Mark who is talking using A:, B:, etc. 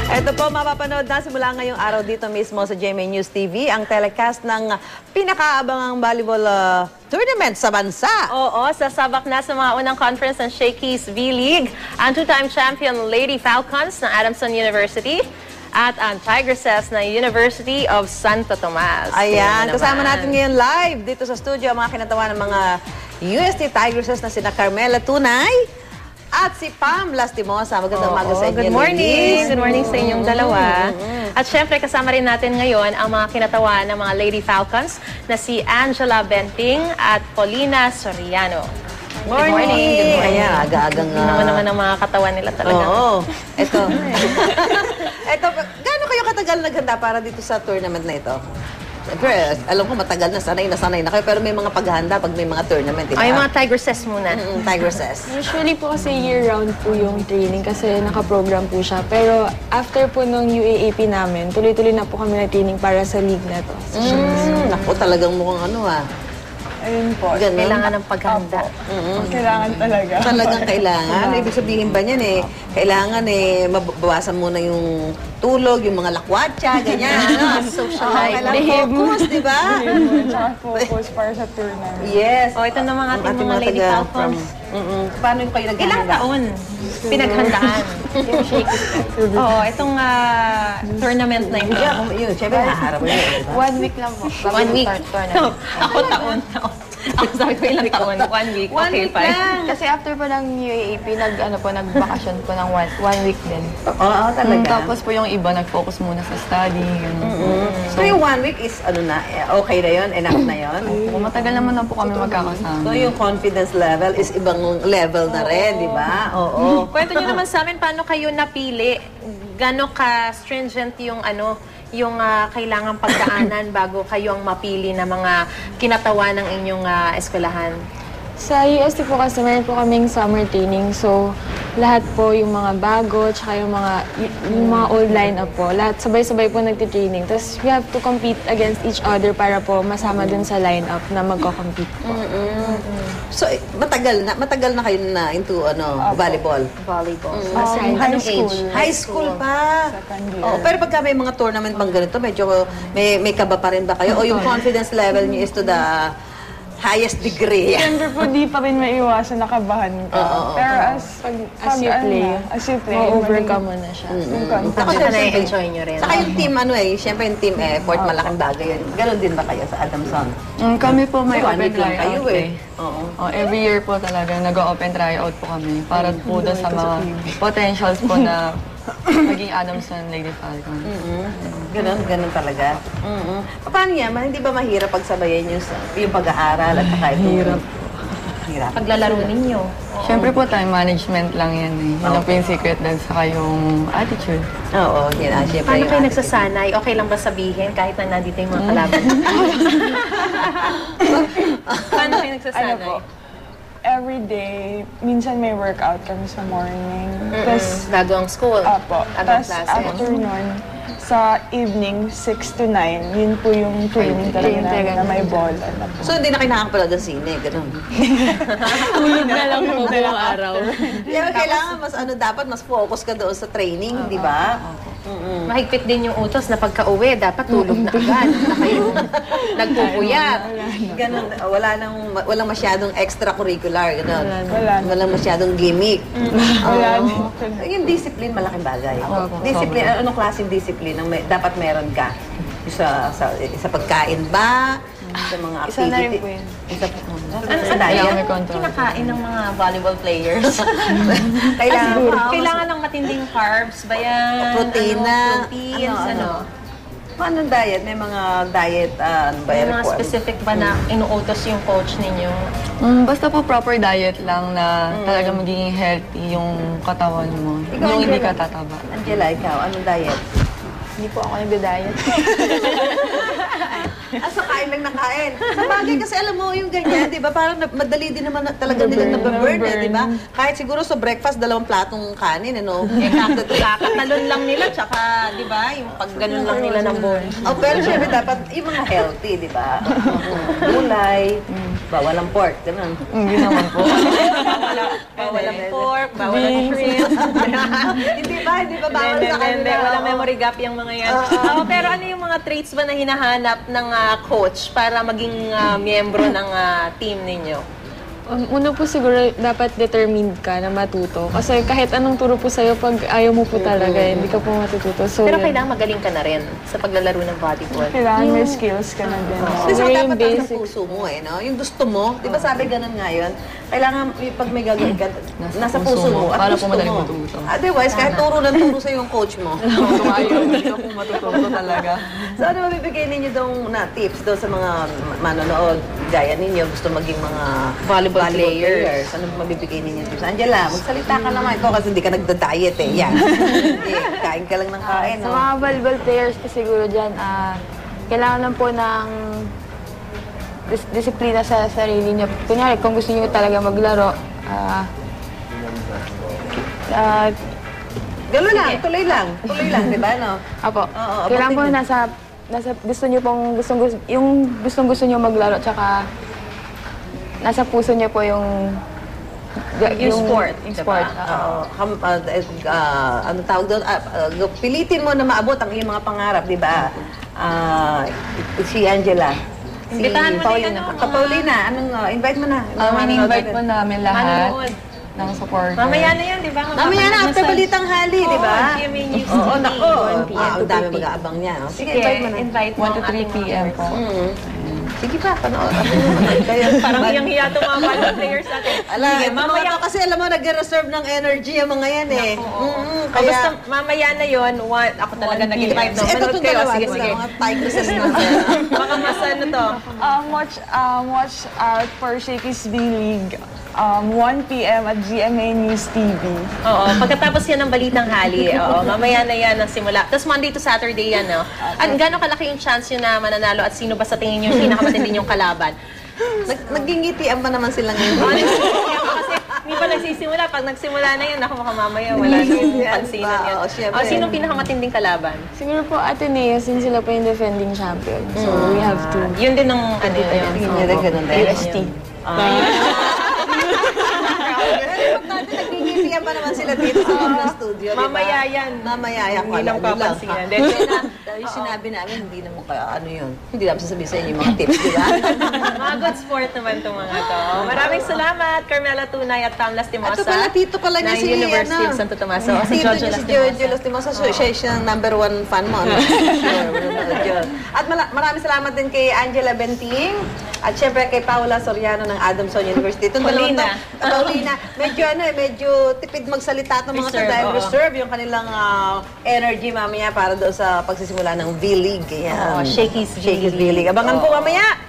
A: Ito po, mapapanood na simula ngayong araw dito mismo sa GMA News TV ang telecast ng pinakaabangang volleyball tournament sa bansa.
B: Oo, sasabak na sa mga unang conference ng Shakey's V-League ang two-time champion Lady Falcons ng Adamson University at ang Tigresses ng University of Santo Tomas.
A: Ayan, kasama natin ngayon live dito sa studio ang mga kinatawa ng mga UST Tigresses na sina Carmela Tunay at si Pam Lastimosa. Magandang umaga sa inyo.
B: Good morning. Good morning sa inyong dalawa. At syempre, kasama rin natin ngayon ang mga kinatawa ng mga Lady Falcons na si Angela Benting at Paulina Soriano.
A: Good morning. Ayan, aga-agang...
B: naman ang mga katawan nila talaga.
A: Oo. Ito. Ito, gaano kayo katagal naghanda para dito sa tournament na ito? Siyempre, alam ko matagal na, sanay na kayo, pero may mga paghahanda pag may mga tournament, diba?
B: Ay, mga Tigresses muna.
A: Tigresses.
C: Usually po kasi year-round po yung training kasi nakaprogram po siya. Pero after po nung UAAP namin, tuloy-tuloy na po kami na training para sa league na to.
A: Naku, talagang mukhang ano
D: Ayun po.
A: Ganun.
B: Kailangan ng paghanda.
D: Kailangan talaga.
A: Talagang kailangan. Ibig sabihin ba niyan kailangan mabawasan muna yung tulog, yung mga lakwatsa, ganyan.
B: Social life.
A: Kailangan focus, di ba?
D: Tsaka focus para sa tournament.
A: Yes.
B: O, ito naman ating mga Lady Falcons.
A: Paano yung kayo naghahanda?
B: Ilang taon pinaghandaan yung Shakey's? Oo, itong tournament na ito.
A: Yun, syempre, haharap mo yun.
C: 1 week lang po.
B: 1 week. Ako taon. Sabi ko ilang taon. 1 week. Okay, fine.
C: Kasi after po ng UAAP, nagbakasyon po ng 1 week din.
A: Oo, talaga.
E: Tapos po yung iba, nag-focus muna sa study.
A: So yung 1 week is, okay na yun? Enough na yun?
E: Matagal naman na po kami magkakasama.
A: So yung confidence level is ibang level na rin, di ba? Oo.
B: Kwento nyo naman sa amin, paano kayo napili? Gano'n ka stringent yung kailangang pagdaanan bago kayo ang mapili na mga kinatawa ng inyong eskwelahan?
C: Sa UST po kasi meron po kaming summer training. So, lahat po yung mga bago, tsaka yung mga old lineup po. Lahat sabay-sabay po nagtitraining. Tapos, we have to compete against each other para po masama dun sa lineup na magko-compete po.
A: So, matagal na kayo na into volleyball?
B: Volleyball.
C: High school.
A: High school pa? Oh, pero pagka may mga tournament bang ganito, medyo may kaba pa rin ba kayo? O yung confidence level niyo is to the highest degree?
D: Siyempre po, di pa rin maiwasan nakabahan ka. Pero as you play,
C: Ma-overcome mo na siya.
B: Ako siya na-enjoy nyo rin.
A: Saka yung team, siyempre yung team effort, malaking bagay yun. Ganon din ba kayo sa Adamson?
E: Kami po may
A: One
E: open
A: week lang kayo
E: tryout eh.
A: Oo.
E: Every year po talaga, nag-open tryout po kami para po doon sa mga potentials po na maging Adamson Lady Falcon.
A: Ganon talaga. Paano yan? Hindi ba mahirap pagsabayan yung pag-aaral at saka ito? Hirap.
B: Paglalaro ninyo.
E: Siyempre po, time management lang yan eh. Yan ang po yung secret doon sa kayong attitude.
A: Oo, yun siyempre.
B: Paano kayo nagsasanay? Okay lang ba sabihin kahit na nandito yung mga kalaban? Paano kayo nagsasanay?
D: every day, minsan may workout kami sa morning. Tapos,
B: Bago ang school?
D: Apo.
B: Agong
D: Tapos
B: klase?
D: after nun, sa evening, 6 to 9, yun po yung training talaga namin na may ball.
A: So, hindi na kayo nakakapanood ng sine, gano'n.
B: Tulog na lang po buong araw.
A: Kaya kailangan dapat mas focus ka doon sa training, di ba?
B: Mahigpit din yung utos na pagka-uwi, dapat tulog na agad. Na kayo nagpupuyat.
A: Ganun, walang masyadong extracurricular, gano'n.
D: Wala.
A: Walang masyadong gimmick.
D: Wala.
A: Yung discipline, malaking bagay. Discipline, anong klaseng discipline ang dapat meron ka? Sa pagkain ba? Sa mga activity?
C: Isa na rin po yun.
B: Ano sa diet? Kinakain ng mga volleyball players? Kailangan ng matinding carbs ba yan?
A: Proteina.
B: Proteins, ano?
A: Paano diet? May mga diet,
B: May mga specific ba na inuutos yung coach ninyo?
E: Basta po proper diet lang na talaga magiging healthy yung katawan mo. Yung hindi ka tataba.
A: Angela, ikaw, anong diet?
C: Hindi po ako nagda-diet.
A: Sa kain lang na kain. Sa bagay kasi alam mo yung ganyan, di ba? Parang madali din naman talaga nila nababurn, di ba? Kahit siguro sa breakfast, 2 platong kanin, ano?
B: Kakatalon lang nila, tsaka, di ba, yung pagganon lang nila ng bowl.
A: Pero syempre dapat yung mga healthy, di ba? Gulay, Bawal ang pork, ganun.
E: Hindi naman po.
B: Bawal ang pork, bawal ang shrimp.
A: Hindi ba bawal sa kanila?
B: Walang memory gap yung mga yan. Pero ano yung mga traits ba na hinahanap ng coach para maging miyembro ng team ninyo?
C: Una po siguro, dapat determined ka na matuto. Kasi kahit anong turo po sa'yo, pag ayaw mo po talaga, hindi ka po matututo. So,
B: Pero
C: yun.
B: kailangan magaling ka na rin sa paglalaro ng volleyball.
D: Kailangan may skills ka na din.
A: Kasi
C: Siguro yung
A: dapat nasa
C: basic.
A: puso mo no? Yung gusto mo, di ba sabi ganun nga yun? Kailangan pag may gagawin ka, nasa puso mo at
E: para
A: gusto
E: po madaling
A: mo.
E: matuto.
A: Otherwise, kahit turo ng turo sa yung coach mo.
E: Kung ayaw, hindi ka po matututo talaga.
A: So ano mabibigay ninyo daw na tips daw sa mga manonood? Gaya ninyo, gusto maging mga
B: Volleyball players.
A: Ano mabibigay ninyo tips? Angela, magsalita ka naman. Ikaw kasi hindi ka nagda-diet Yan. Hindi, kain ka lang ng kain.
C: Sa mga volleyball players po siguro dyan, kailangan lang po ng disiplina sa sarili niyo. Kunyari, kung gusto niyo talaga maglaro,
A: Gano'n lang, tuloy lang, di ba, no?
C: apo,
A: Oo,
C: kailangan po
A: abutin
C: nasa gusto niyo pong, yung gustong-gusto niyo maglaro, tsaka nasa puso niyo po yung
B: sport,
C: Yung
B: diba?
C: sport.
A: Ano tawag doon? Pilitin mo na maabot ang iyong mga pangarap, di ba? Si Angela.
B: Imbitahan mo na
A: Paulina.
B: yan, no?
A: Paulina, invite mo na.
E: In-invite po namin lahat
B: Manonood.
E: ng supporters.
B: Mamaya na yan, di ba?
A: Mamaya na, after balitang hali, di ba?
B: Oo, GMA News
A: Oo,
B: TV.
A: nako.
B: 1 p.m.
A: Ang dami mag-aabang niya. no? Sige, invite mo na.
B: invite mo
E: 1 to
B: ang
E: 3
B: ating mga
E: p.m. po.
A: Sige pa, panood. Kaya,
B: Parang hiyang-hiya itong mga volleyball players natin.
A: Sige, mamaya kasi alam mo, nag-reserve ng energy ang mga yan
B: Kaya, basta mamaya na yun, ako talaga
E: 1
B: nag-invite. No?
A: Ito
B: Manood
A: itong
B: kayo.
A: dalawa,
B: Sige,
A: diba?
B: sige.
A: Mga tigresses na.
B: Baka mas ano to.
D: Watch out for Shakey's V-League. 1 p.m. at GMA News TV.
B: Oo, pagkatapos yan ng Balitang Hali, mamaya na yan ang simula. Tapos Monday to Saturday yan, no? At gano'ng kalaki yung chance yun na mananalo at sino ba sa tingin nyo yung pinakamatindi yung kalaban?
A: Nagingitian pa naman sila ngayon.
B: Kasi hindi pa nagsisimula. Pag nagsimula na yun, ako baka mamaya wala na yung pansinan yun.
A: Oo, syempre.
B: Sino pinakamatinding kalaban?
C: Siguro po Ateneo, since sila po yung defending champion. So, we have to.
B: Yun din ang ano yun.
A: Tingin niya rin ganun din.
C: UST.
A: Nagingitian pa naman sila dito sa loob ng studio, di ba?
B: Mamaya yan.
A: Mamaya yan.
B: Hindi lang papansinan.
A: Yung sinabi namin, hindi naman kaya ano yun. Hindi namin sasabihin sa inyo yung mga tips, di ba?
B: Mga good sport naman itong mga to. Maraming salamat, Carmela Tunay at Tam Lastimosa.
A: Ito pala, tito pala niya
B: ng
A: si,
B: University of Santo Tomaso. Si
A: Tito
B: Giorgio
A: niya si
B: Lastimosa.
A: Giorgio Lastimosa. So, siya yung number one fan mo. Ano? Sure, manonood yun. At maraming salamat din kay Angela Benting. At syempre kay Paula Soriano ng Adamson University. Itong
B: Paulina.
A: Paulina. Medyo tipid magsalita ng mga to
B: Reserve,
A: dahil
B: oo.
A: reserve yung kanilang energy mamaya para doon sa pagsisimula ng V-League. Yan.
B: Oo, Shakey's V-League.
A: V-League. Abangan po mamaya.